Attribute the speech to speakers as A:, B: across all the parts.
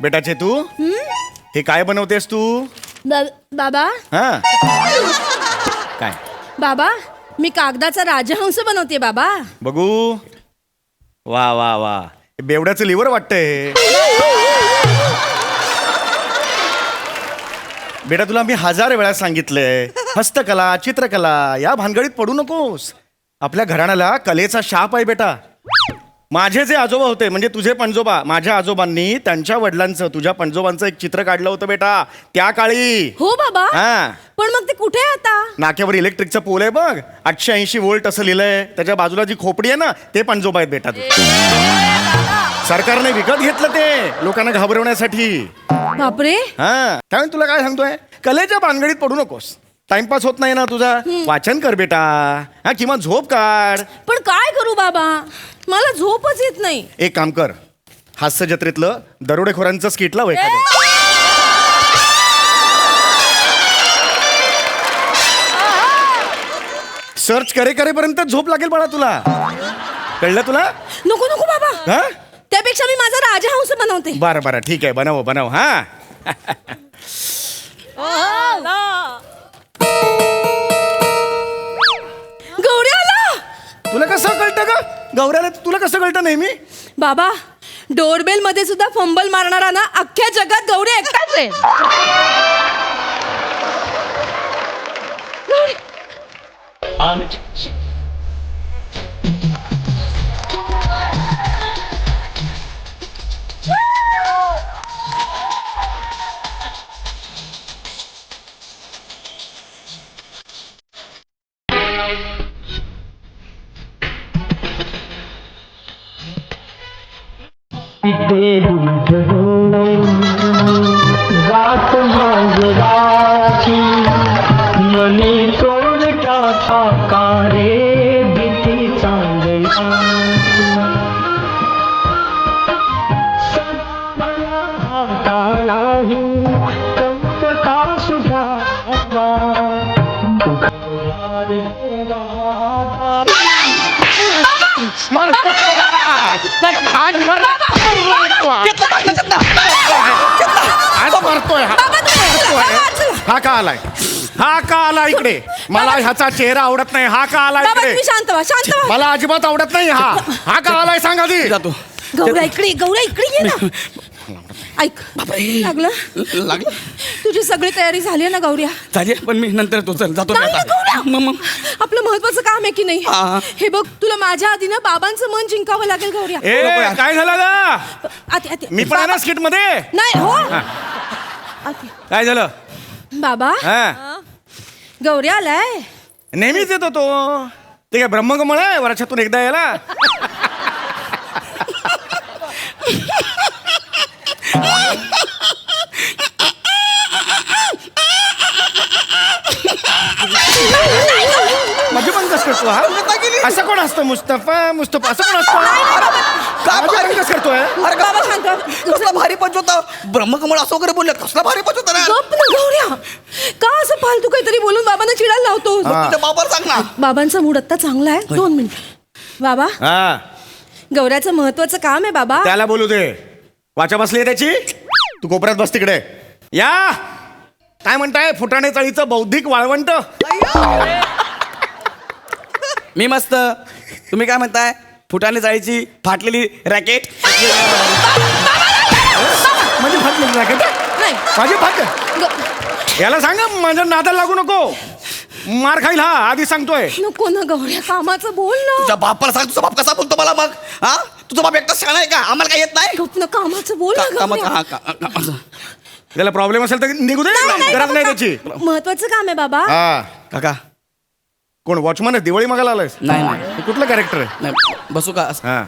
A: बेटा चेतू हे काय बनवतेस तू?
B: बाबा
A: हा काय
B: बाबा मी कागदाचा राजहंस बनवते बाबा.
A: बघू. वा वा वा बेवड्याचं लिव्हर वाटतंय. बेटा तुला मी 1000 वेळा सांगितलंय हस्तकला चित्रकला या भानगडीत पडू नकोस. आपल्या घराण्याला कलेचा शाप आहे बेटा. माझे जे आजोबा होते म्हणजे तुझे पणजोबा, माझ्या आजोबांनी त्यांच्या वडिलांचं तुझ्या पणजोबांचं एक चित्र काढलं होतं बेटा त्या काळी.
B: हो बाबा.
A: हा
B: पण मग ते कुठे आहे आता?
A: नाक्यावर इलेक्ट्रिकचा पोल आहे बघ 880 वोल्ट असं लिहिलंय. त्याच्या बाजूला जी खोपडी आहे ना ते पणजोबा आहेत बेटा. तू सरकारने विकत घेतलं ते लोकांना घाबरवण्यासाठी.
B: बापरे.
A: हा त्यामुळे तुला काय सांगतोय कलेच्या भानगडीत पडू नकोस. टाइमपास होत नाही ना तुझा. वाचन कर बेटा. हा किंवा झोप काढ.
B: पण काय करू बाबा मला झोपच येत नाही.
A: एक काम कर हास्य जत्रेतलं दरोडेखोरांचं स्किट लाव एखादं. सर्च करेपर्यंत झोप लागेल बाळा तुला. कळलं तुला?
B: नको नको बाबा.
A: हा
B: त्यापेक्षा मी माझा राजहंस बनवते.
A: बरं बरं ठीक आहे बनव बनव. हा
B: गौरी आला.
A: तुला कसं कळतं का गौऱ्याला? तुला कसं कळतं नेहमी?
B: बाबा डोरबेल मध्ये सुद्धा फंबल मारणारा ना अख्ख्या जगात गौरी एकटाच आहे.
C: रात मांजराची मनी तोड टाका कारे भीती चांगला हातालाही कंप का सुधावा
A: हा का आलाय? हा का आला इकडे? मला ह्याचा चेहरा आवडत नाही. हा का आला
B: बाबा
A: इकडे?
B: तुम्ही शांत व्हा शांत व्हा.
A: मला अजिबात आवडत नाही. हा का आलाय सांगा ती.
D: जातो.
B: गौरा इकडे ये ना. ऐक लागलं
D: लागलं
B: तुझी सगळी तयारी झाली आहे ना गौऱ्या?
D: झाली पण मी नंतर तो चल जातो.
B: नाही ना, गौऱ्या.
D: मग
B: आपलं महत्वाचं काम आहे की नाही?
D: हा.
B: हे बघ तुला माझ्या आधी ना बाबांचं मन जिंकावं लागेल गौऱ्या.
A: ए काय झालं ना?
B: आती आती
A: मी पण आहे ना स्किट मध्ये.
B: नाही हो आती.
A: काय झालं?
B: बाबा
A: हा
B: गौऱ्या आलाय.
A: नेहमीच येतो तो. ते काय ब्रह्मकमळ आहे वर्षातून एकदा यायला? माझी पण कस करतो हा? असं कोण असतं? मुस्तफा मुस्तफा असं कोण असतं? माझी पण कस करतोय?
D: अरे
B: बाबा शांत व्हा.
D: कसला भारी पंच होता. ब्रह्मकमळ असं वगैरे बोलले. कसला भारी पंच होता ना.
B: गप्प ना गौऱ्या. का असं फालतू काहीतरी बोलून बाबांना चिडायला लावतो?
D: तुझ्या बाबाला सांग ना.
B: बाबांचा मूड आता चांगला आहे. 2 मिनिट बाबा.
A: हा
B: गौऱ्याचं महत्वाचं काम आहे बाबा.
A: त्याला बोलू दे. वाचा बसली त्याची. तू कोपऱ्यात बस तिकडे. या काय म्हणताय फुटाणे चाळीचं बौद्धिक वाळवंट?
D: मी मस्त. तुम्ही काय म्हणताय? फुटाने जाळीची फाटलेली रॅकेट.
A: म्हणजे फाटली रॅकेट?
B: नाही
A: माझी फाट.
B: ग-
A: याला सांगा माझ्या नादाला लागू नको. मार खाईल हा आधी सांगतोय.
B: नको ना गौऱ्या कामाचं बोल ना.
D: तुझ्या बापाला सांग. तुझा बाप कसा बोलतो मला मग? हा तुझा बाप एकटा शाळा आहे का? आम्हाला काय येत नाही?
B: गप्प ना कामाचं बोल ना
D: कामाचं
B: गौऱ्या.
D: हा
A: त्याला प्रॉब्लेम असेल तर निघू दे. गरज नाही त्याची.
B: महत्वाचं काम आहे बाबा.
A: हा
D: काका
A: कोण वॉचमन आहे? दिवाळी मागायला आलायस?
D: नाही नाही
A: कुठलं कॅरेक्टर आहे?
D: नाही बसू का?
A: हा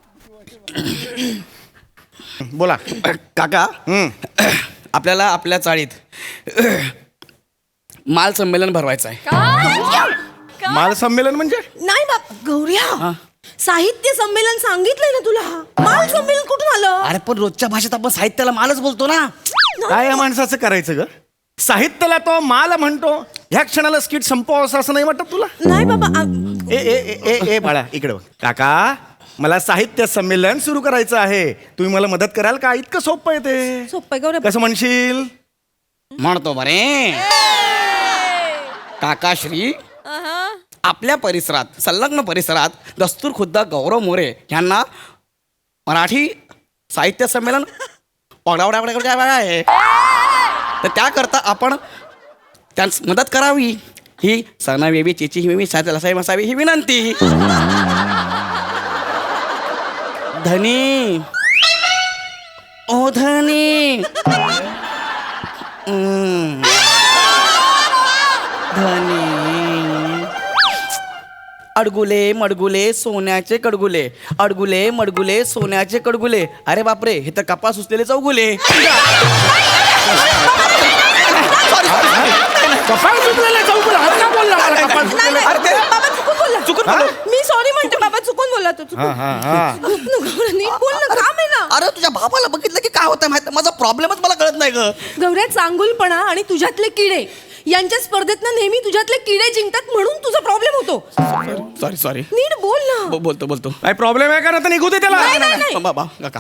A: बोला.
D: काका आपल्याला आपल्या चाळीत माल संमेलन भरवायचं आहे.
A: माल संमेलन म्हणजे?
B: नाही बाप गौऱ्या साहित्य संमेलन सांगितलंय ना तुला. माल संमेलन कुठून आलं?
D: अरे पण रोजच्या भाषेत आपण साहित्याला मालच बोलतो ना.
A: काय या माणसाचं करायचं ग? साहित्याला तो माल म्हणतो. ह्या क्षणाला स्किट संपवावं असं नाही वाटत तुला?
B: नाही बाबा
A: ए ए ए ए ए बाळा इकडे बघ. काका मला साहित्य संमेलन सुरू करायचं आहे. तुम्ही मला मदत कराल का? इतकं सोपं आहे ते.
B: सोपं गौऱ्या.
A: कसं म्हणशील?
D: म्हणतो बरे काकाश्री, आपल्या परिसरात, संलग्न परिसरात दस्तूर खुद्द गौरव मोरे यांना मराठी साहित्य संमेलन आहे. तर त्याकरता आपण त्यांस मदत करावी, ही सणावेवी चिची हिमेवी साहेब असावी ही विनंती. धनी ओ धनी धनी अडगुले मडगुले सोन्याचे कडगुले, अडगुले मडगुले सोन्याचे कडगुले. अरे बापरे, हे तर कपास उचलेले चौगुले.
A: कपाळ सुटलेलं आहे, चौगुला. हा का बोलला मला कपाळ सुटलेलं आहे?
B: नाही, नाही, बाबा चुकून बोलला.
D: चुकून बोललो.
B: मी सॉरी म्हणते बाबा, चुकून बोलला तू.
A: हा हा हा.
B: नीट बोल ना, काम आहे ना.
D: अरे तुझ्या बाबाला बघितलं की काय होतं माहिती, माझा प्रॉब्लेमच मला कळत नाही ग.
B: गौऱ्या, चांगुलपणा आणि तुझ्यातले किडे यांच्या स्पर्धेतनं नेहमी तुझ्यातले किडे जिंकतात, म्हणून तुझा प्रॉब्लेम होतो.
D: सॉरी सॉरी,
B: नीट बोल ना.
D: बोलतो बोलतो.
A: काय प्रॉब्लेम आहे का? ना तर निघू दे त्याला.
B: नाही, नाही, नाही.
D: बाबा काका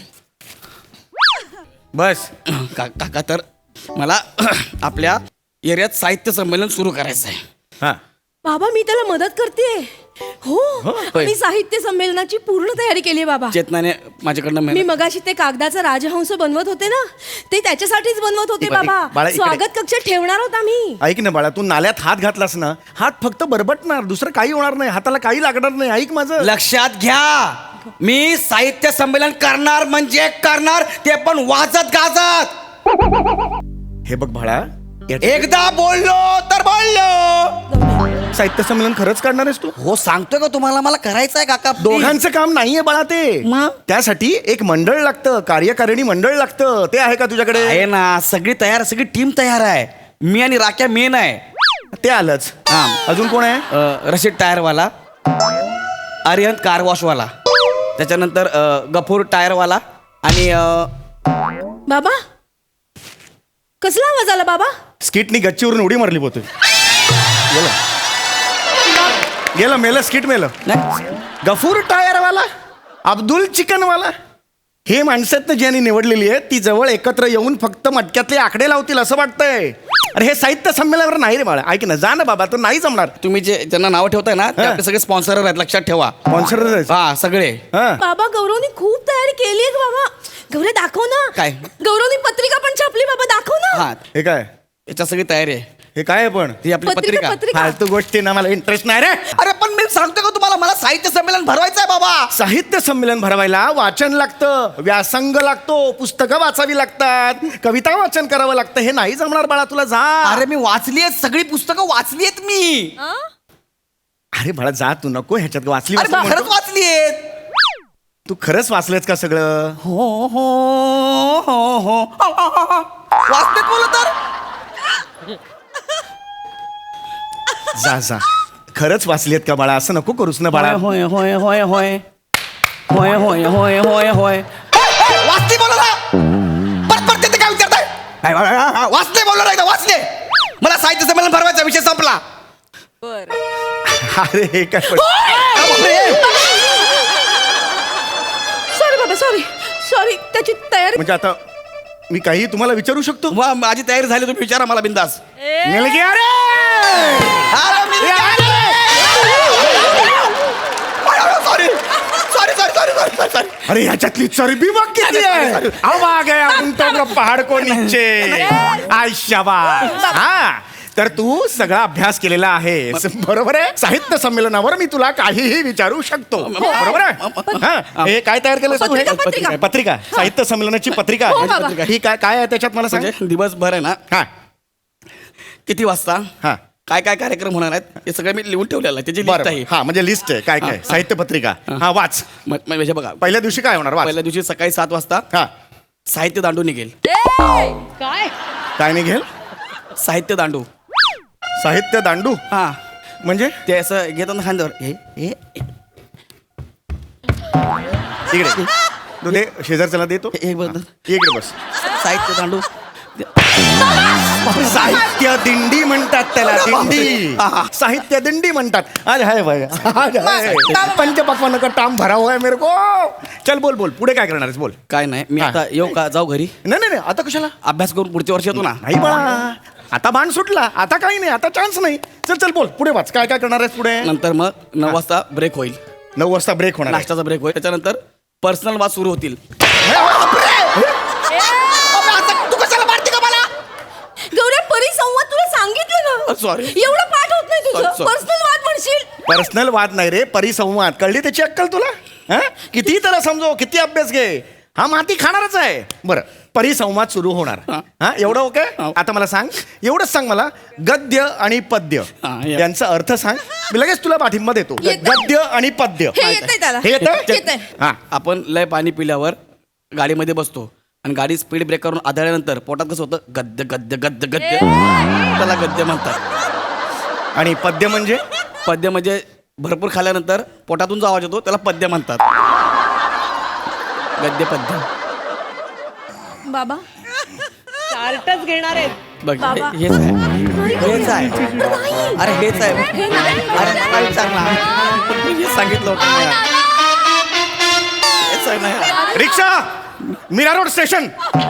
A: बस.
D: काका, तर मला आपल्या एरियात साहित्य संमेलन सुरू करायचं आहे.
A: हा.
B: बाबा, मी त्याला मदत करते. हो,
D: होय.
B: मी साहित्य संमेलनाची पूर्ण तयारी केली आहे बाबा.
D: चेतनाने माझ्याकडनं
B: मी
D: मेहनत-
B: मगाशी ते कागदाचा राजहंस बनवत होते ना, ते त्याच्यासाठीच बनवत होते
A: बाळा,
B: बाबा.
A: बाळा, इकडे.
B: स्वागत कक्ष ठेवणार होता मी.
A: ऐक ना बाळा, तू नाल्यात हात घातलास ना, हात फक्त बरबटणार, दुसरं काही होणार नाही. हाताला काही लागणार नाही. ऐक माझं.
D: लक्षात घ्या, मी साहित्य संमेलन करणार म्हणजे करणार, ते पण वाजत गाजत.
A: हे बघ बाळा,
D: एकदा बोललो तर बोललो.
A: साहित्य संमेलन खरंच काढणार आहेस तू?
D: हो सांगतोय का तुम्हाला, मला करायचं आहे काका.
A: दोघांचं काम नाहीये बाळा ते.
D: मग?
A: त्यासाठी एक मंडळ लागतं, कार्यकारिणी मंडळ लागतं. ते आहे का तुझ्याकडे?
D: आहे ना, सगळी तयार, सगळी टीम तयार आहे. मी आणि राख्या मेन आहे.
A: ते आलंच.
D: हा.
A: अजून कोण आहे?
D: रशीद टायरवाला, आर्यन कार वॉशवाला, त्याच्यानंतर गफूर टायरवाला आणि
B: बाबा, कसला आवाज आला बाबा?
A: स्किटनी गच्चीवरून उडी मारली पोते. गेलं मेलं, स्किट मेलं.
D: नाही,
A: गफूर टायरवाला, अब्दुल चिकनवाला, हे माणसात ज्यांनी निवडलेली आहे ती जवळ एकत्र येऊन फक्त मटक्यातले आकडे लावतील असं वाटतंय. अरे हे साहित्य संमेलनावर नाही रे बाळा. ऐक ना, जा ना बाबा, तो नाही जमणार.
D: तुम्ही जे त्यांना नाव ठेवताय ना, ते
A: हा.
D: आपले सगळे स्पॉन्सर आहेत, लक्षात ठेवा.
A: स्पॉन्सर.
D: हा, सगळे.
B: बाबा, गौरवनी खूप तयारी केली आहे बाबा. गौरव, दाखव ना.
D: काय?
B: गौरवनी पत्रिका पण छापली बाबा, दाखव ना.
D: हा,
A: हे काय?
D: याच्या सगळी तयारी आहे.
A: हे काय आहे पण?
D: ही आपली पत्रिका.
A: फालतू गोष्टी ना, मला इंटरेस्ट नाही रे.
D: अरे पण मी सांगतो का तुम्हाला, मला साहित्य संमेलन भरवायचं आहे बाबा.
A: साहित्य संमेलन भरवायला वाचन लागतं, व्यासंग लागतो, पुस्तकं वाचावी लागतात, कविता वाचन करावं लागतं. हे नाही जमणार बाळा तुला. जा.
D: अरे मी वाचली आहेत, सगळी पुस्तकं वाचली आहेत मी.
A: अरे बाळा जा, तू नको ह्याच्यात. वाचली
D: अरे
A: वाचली
D: खरंच
A: म्हणतो.
D: वाचली आहेत.
A: तू खरंच वाचलंच का सगळं?
D: हो हो हो हो वाचते बोल तर.
A: जा जा, खरंच वाचलीत का बाळा? असं नको करूस ना बाळा.
D: होय होय होय होय होय होय होय होय होय वाचते बोल ना. परत परत ते काय विचारताय? वाचते बोल नाही, वाचले. मला साहित्य संमेलन भरवायचा, विषय संपला.
A: अरे हे काय पण-
B: सॉरी बाबा, सॉरी सॉरी. त्याची तयारी.
A: म्हणजे आता मी काही तुम्हाला विचारू शकतो?
D: वा, माझी तयारी झाली, तुम्ही विचारा मला बिंदास.
A: मुलगी, अरे
D: sorry sorry sorry sorry sorry sorry.
A: अरे ह्याच्यातली चरबी बघ किती आहे. अब आ गया उंटों का पहाड को नीचे. आय शाबास. हा, तर तू सगळा अभ्यास केलेला आहेस, बरोबर आहे. साहित्य संमेलनावर मी तुला काहीही विचारू शकतो, बरोबर आहे. हा, हे काय तयार केलं तू? हे
B: पत्रिका.
A: पत्रिका, साहित्य संमेलनाची पत्रिका.
B: हो, बाबा.
A: ही काय काय आहे त्याच्यात मला सांग.
D: म्हणजे दिवसभर आहे ना,
A: हा
D: किती वाजता
A: हा
D: काय काय कार्यक्रम होणार आहेत हे सगळं मी लिहून ठेवलेलं आहे. त्याची लिस्ट
A: बरं,
D: आहे.
A: हा म्हणजे लिस्ट आहे काय काय. साहित्य पत्रिका. हा वाच.
D: म्हणजे बघा,
A: पहिल्या दिवशी काय होणार? वाच.
D: पहिल्या दिवशी सकाळी 7 वाजता
A: हा,
D: साहित्य दांडू निघेल.
B: काय?
A: काय निघेल?
D: साहित्य दांडू.
A: साहित्य दांडू
D: हा,
A: म्हणजे
D: ते असं घेतात ना खांद्यावर. हे
A: इकडे तू दे, शेजारच्याला देतो.
D: हे बघ.
A: इकडे बस.
D: साहित्य दांडू.
A: साहित्य दिंडी म्हणतात त्याला, दिंडी.
D: हा, हा.
A: साहित्य दिंडी म्हणतात. आज है भाई, आज है. पंचपक्वान का टाम भरा हुआ है मेरे को. चल बोल बोल, पुढे काय करणार आहेस बोल.
D: काय नाही मी
A: हा.
D: आता येऊ का जाऊ घरी
A: नाही नाही नाही, आता कशाला.
D: अभ्यास करून पुढच्या वर्षी येतो ना.
A: नाही बाळा, आता बाण सुटला, आता काही नाही, आता चान्स नाही. चल चल बोल, पुढे वाच, काय काय करणार आहेस पुढे.
D: नंतर मग 9 वाजता ब्रेक होईल,
A: 9 वाजता ब्रेक होणार आहे.
D: नाश्त्याचा ब्रेक होईल, त्याच्यानंतर पर्सनल वाद सुरू होतील.
B: तू कशाला मारते का मला? गौऱ्या, परिसंवाद तुला सांगितलं ना.
D: Sorry.
B: एवढं पाठ होत नाही तुझं.
D: Sorry.
B: पर्सनल वाद म्हणशील.
A: पर्सनल वाद नाही रे, परिसंवाद. कळली त्याची अक्कल तुला. हा? किती त्याला समजव, किती अभ्यास घे, हा माती खाणारच आहे. बरं, परिसंवाद सुरू होणार.
D: हा.
A: हा, एवढं ओके.
D: हा.
A: आता मला सांग, एवढंच सांग मला, गद्य आणि पद्य
D: हा, या.
A: यांचा अर्थ सांग. मी लगेच तुला पाठिंबा देतो.
B: येतंय.
A: गद्य आणि पद्य
B: हे येतंय त्याला.
A: हे येतंय?
B: येतंय.
A: हा.
D: आपण लय पाणी पिल्यावर गाडीमध्ये बसतो आणि गाडी स्पीड ब्रेक करून आदळल्यानंतर पोटात कसं होतं, गद्य गद्य गद्य गद्य, त्याला गद्य म्हणतात.
A: आणि पद्य म्हणजे
D: पद्य म्हणजे भरपूर खाल्ल्यानंतर पोटातून जो आवाज येतो त्याला पद्य म्हणतात. गद्य पद्य.
B: बाबा,
E: चार्टच घेणार आहेत.
D: बघ
B: बाबा.
D: हेच आहे, हेच आहे. अरे हेच आहे.
B: हे नाही.
D: अरे मला विचार ना, मी हेच सांगितलं होतं ना. हेच आहे ना.
A: Rickshaw, Mira road station.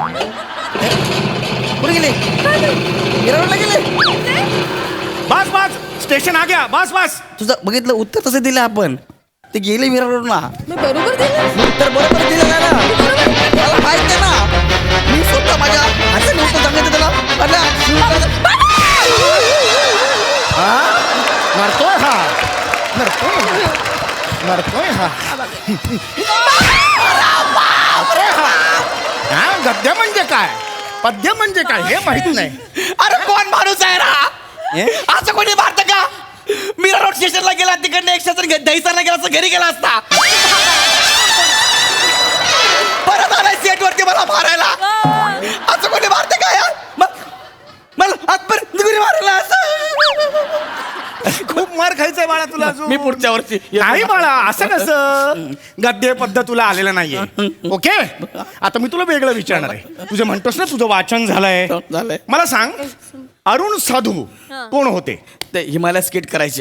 D: कुठे गेले? गिरावडला गेले.
A: बस बस, स्टेशन आ गया. बस बस.
D: तुझं बघितलं उत्तर तसं दिलं आपण. ते गेले मीरा रोडला.
B: मी बरोबर दिलं.
D: उत्तर बरोबर दिलं ना. मला माहिती आहे ना, मी स्वतः माझ्या हाताने उत्तर सांगितलं त्याला.
A: हा? नरतोय हा, नरतोय, नरतोय हा. हा, गद्य म्हणजे काय, पद्य म्हणजे काय हे माहित नाही.
D: अरे कोण माणूस आहे रा,
A: हे?
D: असं कोणी मारतं का? मीरा रोड स्टेशनला गेला, तिकडनं एक स्टेशन दहीसरला गेला असं घरी गेला असता. परत आलाय सेट वरती मला मारायला. असं कोणी मारतं का यार? मला आजपर्यंत घरी मारायला असं.
A: खूप मार खायचंय बाळा तुला अजून.
D: मी पुढच्या वर्षी
A: नाही बाळा, असं कसं. गद्य पद्य तुला आलेलं नाहीये. ओके, आता मी तुला वेगळं विचारणार आहे. तुझं म्हणतोस ना तुझं वाचन झालंय.
D: झालंय.
A: मला सांग, अरुण साधू कोण होते.
D: ते हिमालय स्केट करायचे.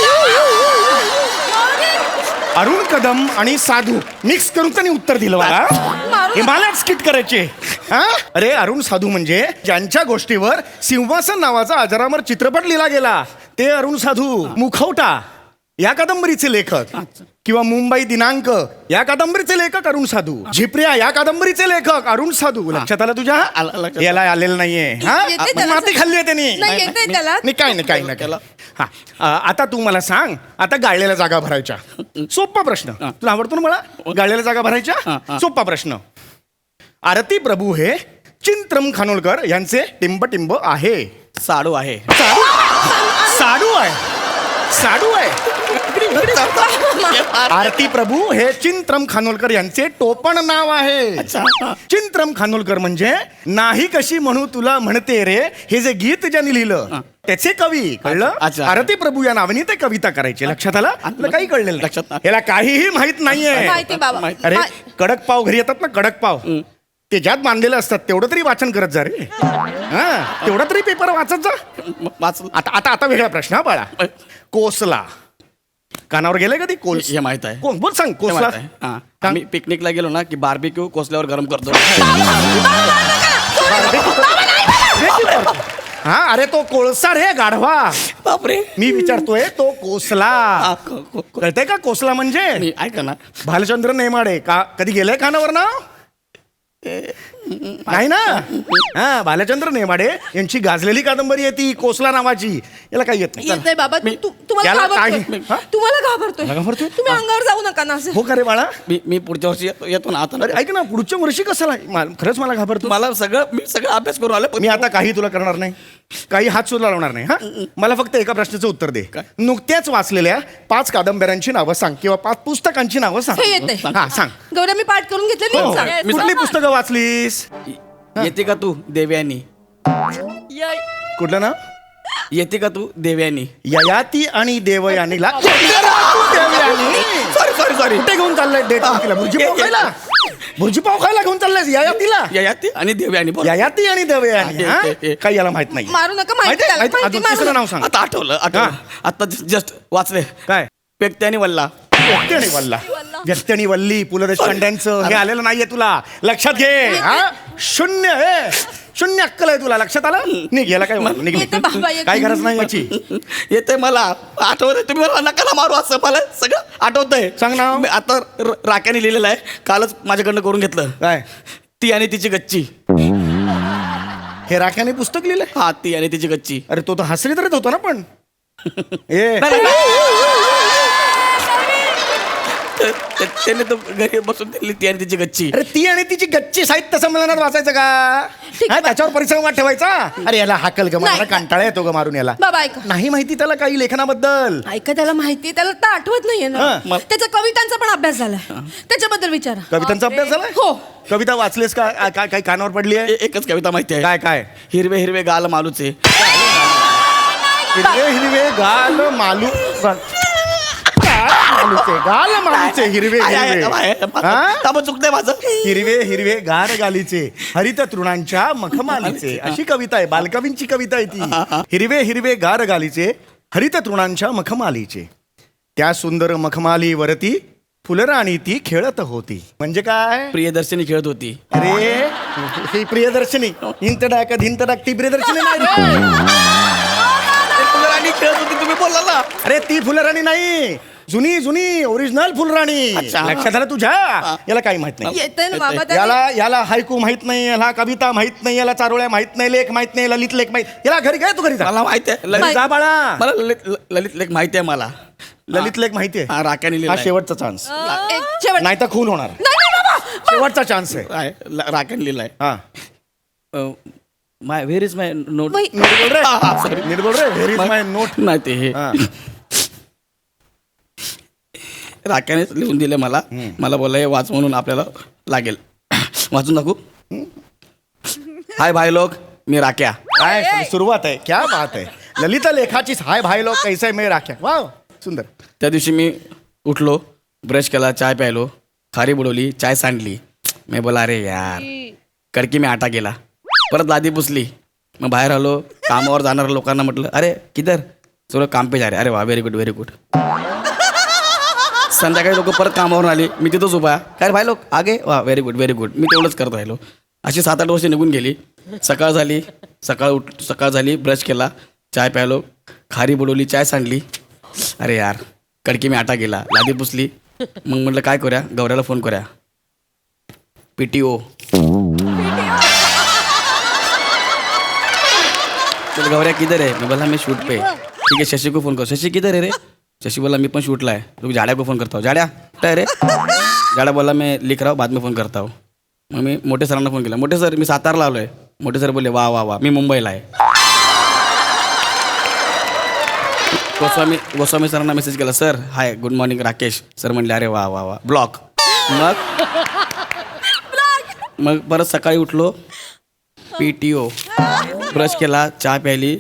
A: अरुण कदम आणि साधू मिक्स करून त्यांनी उत्तर दिलं मला. हिमालयात स्किट करायचे. हा? अरे अरुण साधू म्हणजे ज्यांच्या गोष्टीवर सिंहासन नावाचा अजरामर चित्रपट लिहिला गेला ते अरुण साधू. मुखवटा या कादंबरीचे लेखक किंवा मुंबई दिनांक या कादंबरीचे लेखक अरुण साधू. झिपऱ्या या कादंबरीचे लेखक अरुण साधू. लक्षात आलं तुझ्या?
D: आलं लक्षात.
A: याला आलेलं नाहीये. हा?
B: येते त्याला.
A: माती खाल्ली आहे त्यांनी.
B: नाही, येतंय त्याला.
A: नाही काय नाही, काही नाही. हा, आता तू मला सांग, आता गाळलेल्या जागा भरायच्या. सोपा प्रश्न. तुला आवडतो ना मला गाळलेल्या जागा भरायच्या? सोपा प्रश्न. आरती प्रभू हे चिंत्रम खानोलकर यांचे टिंब आहे.
D: साडू आहे.
A: साडू आहे, साडू आहे. आरती प्रभू हे चिंत्रम खानोलकर यांचे टोपण नाव आहे. चिंत्रम खानोलकर म्हणजे नाही कशी म्हणू तुला म्हणते रे, हे जे गीत ज्यांनी लिहिलं त्याचे कवी. कळलं?
D: अच्छा.
A: आरती प्रभू या नावाने ते कविता करायचे. लक्षात आलं? तुला काही कळलेलं
D: लक्षात
A: नाही.
D: नाही.
A: याला काहीही माहित नाहीये.
B: माहिती बाबा.
A: अरे कडक पाव घरी येतात ना, कडक पाव ते ज्यात बांधलेलं असतात तेवढं तरी वाचन करत जा रे. हा, तेवढा तरी पेपर वाचत जा.
D: वाचलं.
A: आता आता आता वेगळा प्रश्न हा बाळा. कोसला कानावर गेले कधी? कोल्स
D: हे माहित आहे.
A: कोण बोल सांग.
D: हे
A: कोसला
D: माहित आहे. हा. आम्ही पिकनिकला गेलो ना की बार्बिक्यू कोसल्यावर गरम करतो.
A: हा, अरे तो कोळसा रे गाढवा.
D: बापरे.
A: मी विचारतोय तो कोसला.
D: हा,
A: कळतंय का कोसला म्हणजे?
D: मी ऐका ना,
A: भालचंद्र नेमाडे का कधी गेलंय कानावर ना? नाही ना. हा, भालचंद्र नेमाडे यांची गाजलेली कादंबरी आहे ती कोसला नावाची. याला काही येत नाही.
B: येत नाही बाबा. तुम्हाला
A: याला
B: घाबरतोय.
A: हा?
B: तुम्हाला घाबरतोय.
A: मला घाबरतोय?
B: तुम्ही अंगावर जाऊ नका ना असं.
A: हो का रे बाळा?
D: मी पुढच्या वर्षी येतो ना. आता
A: अरे ऐक ना, पुढच्या वर्षी कशाला? खरंच मला घाबरतो.
D: मी सगळं अभ्यास करून आलो.
A: मी आता काही तुला करणार नाही, काही हात सुद्धा लावणार नाही. हा, मला फक्त एका प्रश्नाचं उत्तर दे. नुकत्याच वाचलेल्या 5 कादंबऱ्यांची नावं सांग किंवा 5 पुस्तकांची नावं सांग.
B: हे येते.
A: हा, सांग.
B: गौऱ्या, मी पाठ करून घेतले.
A: हो,
B: नीट सांग.
A: कुठली पुस्तकं वाचलीस?
D: येते का तू देवयानी?
A: कुठलं ना?
D: येते का तू देवयानी?
A: ययाती आणि देवयानीला.
D: Sorry sorry sorry.
A: कुठे घेऊन चाललंय डेट? भुर्जी पाव खायला? भुर्जीपाव खायला घेऊन चाललायस ययातीला?
D: ययाती आणि देवयानी बोल.
A: ययाती आणि दवयानी
D: हा,
A: हा?
D: ते, ते.
A: काही याला माहित नाही
B: मारू नका, माहिती
A: माहिती आहे?
B: त्याला, माहिती
A: अजून
B: मारू
A: तिसरं
B: नका.
A: नाव सांग
D: आता आठवलं आता जस्ट वाचले.
A: काय?
D: पेकते आणि वल्ला.
A: व्यक्ती आणि वल्ला. व्यक्ती आणि वल्ली पु ल देशपांड्यांचं हे आलेलं नाहीये तुला लक्षात घे. हा? शून्य हे शून्य अक्कल आहे तुला लक्षात आलं? निघ याला काय निघ, निघ.
B: येते बाबा, येते.
A: काय गरज नाही याची.
D: येते मला आठवत तुम्ही मला नका ना मारू असं मला सगळं आठवतंय.
A: सांग ना.
D: मी आता राख्याने लिहिलेलं आहे कालच माझ्याकडनं करून घेतलं.
A: काय
D: ती आणि तिची गच्ची.
A: हे राख्याने पुस्तक लिहिलंय?
D: हा ती आणि तिची गच्ची.
A: अरे तो तर हसरी तरीच होता ना पण ए
D: त्याने तो घरी बसून दिली ती आणि तिची गच्ची.
A: अरे ती आणि तिची गच्ची साहित्य संमेलनात वाचायचं का? हा, त्याच्यावर परिसंवाद ठेवायचा. अरे याला हाकल ग मला
B: नाही.
A: कंटाळा येतो ग मारून याला.
B: बाबा ऐका,
A: नाही माहिती त्याला काही लेखनाबद्दल.
B: ऐका त्याला माहितीये, त्याला तर आठवत नाहीये ना.
A: हा,
D: मग?
B: त्याचा कवितांचा पण अभ्यास झालाय, त्याच्याबद्दल विचारा.
A: कवितांचा अभ्यास झालाय?
B: हो.
A: कविता वाचलेस का? काय काय कानावर पडली आहे?
D: एकच कविता माहिती आहे.
A: काय काय?
D: हिरवे हिरवे गाल मालूचे.
A: हिरवे हिरवे गाल मालू गाल मालूचे हिरवे हिरवे हा?
D: चुकतंय माझं.
A: हिरवे हिरवे गार गालीचे हरित तृणांच्या मखमालीचे अशी कविता आहे. बालकवींची कविता आहे ती. हिरवे हिरवे गार गालीचे हरित तृणांच्या मखमालीचे त्या सुंदर मखमालीवरती फुलराणी ती खेळत होती. म्हणजे काय?
D: प्रियदर्शनी खेळत होती.
A: अरे ही प्रियदर्शनी हिंतडाक धिंतडाक ती प्रियदर्शनी नाही रे.
D: फुलराणी खेळत होती तुम्ही बोलला ना.
A: अरे ती फुलराणी नाही, जुनी जुनी ओरिजिनल फुलराणी.
D: अच्छा.
A: लक्षात आलं तुझ्या? याला काही माहित नाही.
B: येते ना बाबा त्याला.
A: याला हायकू माहित नाही, याला कविता माहित नाही, याला चारोळ्या माहित नाही, लेख माहित नाही, ललित लेख माहित. याला घरी काय? तू घरी जा.
D: मला माहिती आहे
A: घरी जा बाळा.
D: मला ललित लेख माहिती आहे मला.
A: ललित लेख माहिती आहे.
D: हा राख्याने
A: हा
D: लिहिलाय.
A: शेवटचा चान्स.
B: एक शेवट.
A: नाही तर खून होणार.
B: नाही नाही बाबा.
A: शेवटचा चान्स आहे.
D: आहे, राख्याने लिहिलाय.
A: हा
D: my where is my note.
B: वही.
A: नीट बोल रे.
D: sorry.
A: नीट बोल रे. Where is my note.
D: नाही ते हे
A: हा.
D: राख्यानेच लिहून दिले मला. मला बोलला हे वाच म्हणून आपल्याला लागेल. वाचून दाखवू. हाय भाई लोक, मी राख्या.
A: काय सुरुवात आहे. क्या बात आहे. ललित लेखाचीच हाय भाई लोक कैसे मे राख्या. वाव सुंदर.
D: त्या दिवशी मी उठलो, ब्रश केला, चाय प्यायलो, खारी बुडवली, चाय सांडली. मी बोला अरे यार कडकी मी आटा गेला. परत लादी पुसली. मग बाहेर आलो, कामावर जाणाऱ्या लोकांना म्हटलं अरे किधर? चलो काम पे जा रे. अरे वा व्हेरी गुड व्हेरी गुड. संध्याकाळी लोक परत कामावरून आली, मी तिथंच उभा. काय रे भाई लोक आगे वा व्हेरी गुड व्हेरी गुड. मी तेवढंच करत राहिलो. अशी 7-8 वर्ष निघून गेली. सकाळ झाली, सकाळ झाली, ब्रश केला, चाय प्यायलो, खारी बुडवली, चाय सांडली. अरे यार कडकी मी आटा गेला, लादी पुसली. मग म्हटलं काय करूया, गौऱ्याला फोन करूया. PTO. चल गौऱ्या किधर है? मैं बोला मैं शूट पे. ठीक है शशि को फोन करो. शशि किधर है रे? शशि बोला मैं पण शूटला है. रुक जाड्या को फोन करता हूँ. जाड्या क्या है रे? जाड्या बोला मैं लिख रहा हूँ बाद में फोन करता हूँ. मग मी मोठे सरांना फोन केला. मोठे सर मी सातारला आलो आहे. मोठे सर बोलले वा वा वा मी मुंबईला आहे. गोस्वामी सरांना मेसेज केला. Sir hi good morning Rakesh. Sir म्हणले अरे वा वा वा ब्लॉक. मग परत सकाळी उठलो, PTO, ब्रश केला, चहा प्यायली,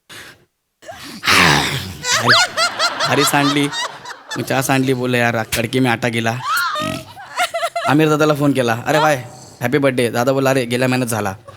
D: हरी सांडली, मग चहा सांडली. बोलले यार कडकी मी आटा गेला. आमिर दादाला फोन केला. अरे भाई हॅपी बर्थडे. दादा बोला अरे गेल्या महिन्यात झाला.